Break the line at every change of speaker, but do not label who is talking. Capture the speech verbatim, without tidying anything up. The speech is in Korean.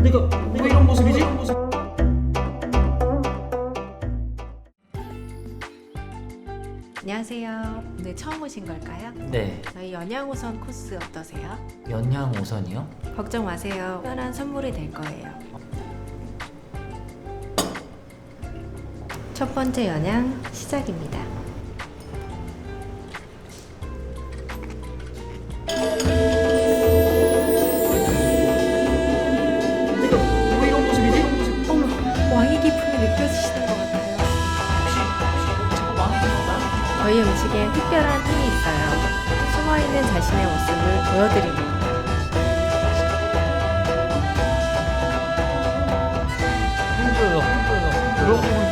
내가 왜 이런 모습이지?
안녕하세요. 오늘 처음 오신 걸까요?
네,
저희 연양오선 코스 어떠세요?
연양 오선이요?
걱정 마세요. 특별한 선물이 될 거예요. 첫 번째 연양 시작입니다.
내가 왜 이런 모습이지?
어머, 왕의 기품이 느껴지시는 것 같아요.
자꾸 망해 건가?
저희 음식에 특별한 힘이 있어요. 숨어있는 자신의 모습을 보여드리는 거예요.
힘들어요, 힘들어요.
그렇구나.